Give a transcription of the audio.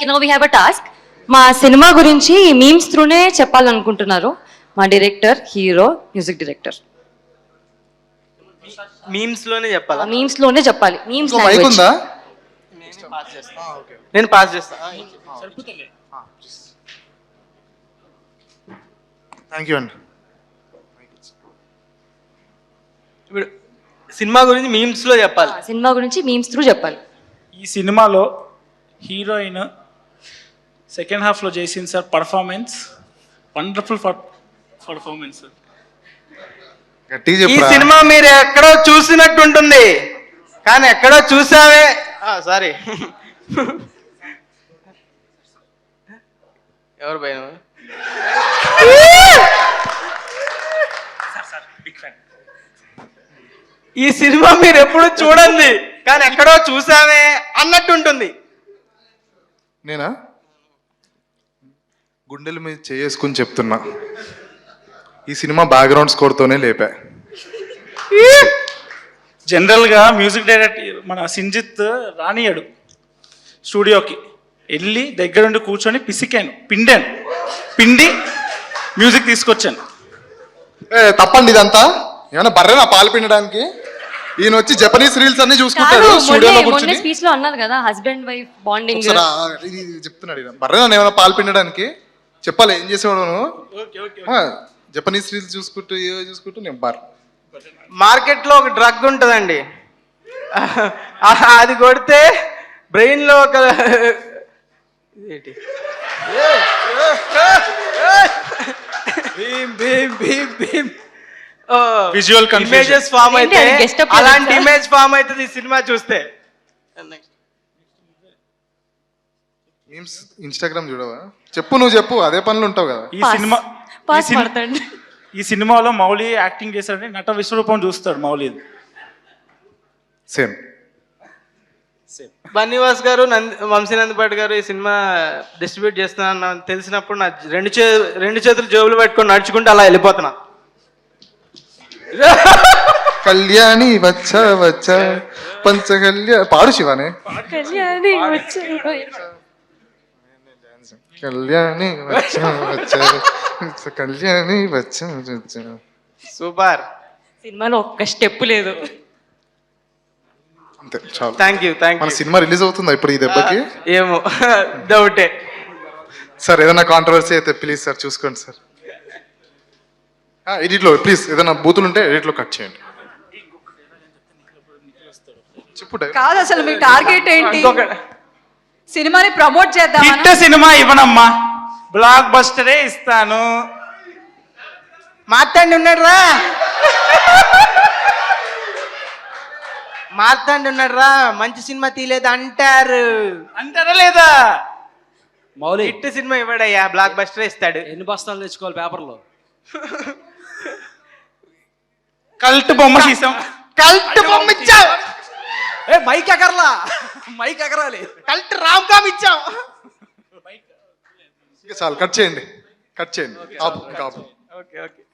Okay, no we have a task. మా cinema గురించి memes త్రూనే చెప్పాలనుకుంటున్నారు మా director, hero, music director. Memes లోనే చెప్పాలా? మీమ్స్ లోనే చెప్పాలి. మీమ్స్ ఇంకో మైక్ ఉందా? నేను పాస్ చేస్తా. థ్యాంక్ యూ అండి. ఇప్పుడు సినిమా గురించి మీమ్స్ లో చెప్పాలి. సినిమా గురించి మీమ్స్ త్రూ చెప్పాలి. ఈ సినిమాలో హీరోయిన్ సెకండ్ హాఫ్లో చేసింది sir performance, wonderful performance sir. గట్టిగా ఈ చెప్పరా. సినిమా మీరు ఎక్కడో చూసినట్టు ఉంటుంది, కానీ ఎక్కడో చూసావే. సారీ, ఎవరు పైన? ఈ సినిమా మీరు ఎప్పుడు చూడండి, కానీ ఎక్కడో చూసావే అన్నట్టు ఉంటుంది. నేనా గుండెల మీద చేసుకుని చెప్తున్నా, ఈ సినిమా బ్యాక్గ్రౌండ్ స్కోర్తోనే లేపా. జనరల్గా మ్యూజిక్ డైరెక్టర్ మన సింజిత్ రానియాడు స్టూడియోకి, వెళ్ళి దగ్గరుండి కూర్చొని పిండి మ్యూజిక్ తీసుకొచ్చాను. తప్పండి ఇదంతా. ఏమైనా బర్రెనా పాలు పిండడానికి? ఈయన వచ్చి జపనీస్ రీల్స్ అన్ని చూసుకుంటాడు స్టూడియోలో కూర్చొని. స్పీచ్ లో అన్నారు కదా హస్బెండ్ వైఫ్ బాండింగ్. ఇది చెప్తున్నాడు ఈయన. బర్రెనా ఏమైనా పాలు పిండడానికి? చెప్పాలి ఏం చేసేవాడు నువ్వు? జపనీస్ రీల్స్ చూసుకుంటూ ఏవో చూసుకుంటూ నేను మార్కెట్ లో ఒక డ్రగ్ ఉంటుందండి, అది కొడితే బ్రెయిన్ లో ఒక విజువల్ ఇమేజెస్ ఫామ్ అయితే, ఏంటి అది guest up అలాంటి చేశారా? ఇమేజ్ ఫామ్ అవుతుంది ఈ సినిమా చూస్తే. మీమ్స్ ఇన్స్టాగ్రామ్ చూడవా? చెప్పు, నువ్వు చెప్పు, అదే పనులు ఉంటావు కదా. ఈ సినిమాలో మౌలి యాక్టింగ్ చేశాడని నట విశ్వరూపం చూస్తాడు మౌలి. సేమ్ బన్నీవాస్ గారు, వంశీనందపాటి గారు ఈ సినిమా డిస్ట్రిబ్యూట్ చేస్తున్నా తెలిసినప్పుడు నా రెండు చేతులు జేబులు పెట్టుకొని నడుచుకుంటూ అలా వెళ్ళిపోతున్నా. కళ్యాణి వచ్చా వచ్చా పాడు శివానే. కళ్యాణి కళ్యాణి వచ్చా వచ్చా కళ్యాణి వచ్చా వచ్చా. సూపర్. సినిమాలో ఒక్క స్టెప్ లేదు. అంతే చాలు. Thank you. మన సినిమా రిలీజ్ అవుతుందా ఇప్పుడు ఈ దెబ్బకి? ఏమో డౌటే. సార్ ఏదైనా కాంట్రవర్సీ అయితే ప్లీజ్ సార్ చూసుకోండి సార్. ఎడిట్లో ప్లీజ్ ఏదైనా బూతులు ఉంటే ఎడిట్లో కట్ చేయండి. చెప్పు. కాదు, అసలు మీ టార్గెట్ ఏంటి? సినిమాని ప్రమోట్ చేద్దాం. హిట్ సినిమా ఇవ్వనమ్మా, బ్లాక్ బస్టరే ఇస్తాను. మార్తాండి ఉన్నాడు రా, మార్తాండి ఉన్నాడు రా, మంచి సినిమా తీయలేదు అంటారా లేదా? మౌలి హిట్ సినిమా ఇవ్వడయ్యా, బ్లాక్ బస్టర్ ఇస్తాడు. ఎన్ని బస్తాలు తెచ్చుకోవాలి పేపర్లో? కల్ట్ బొమ్మ తీసాం. కల్ట్ బొమ్మ ఇచ్చావు. మైక్ ఎగరలా, మైక్ ఎగరాలి. కల్ట్ రామ్ కామ్ ఇచ్చాం. చాలు కట్ చేయండి, కట్ చేయండి. ఆపు, ఇంకా ఆపు. Okay okay.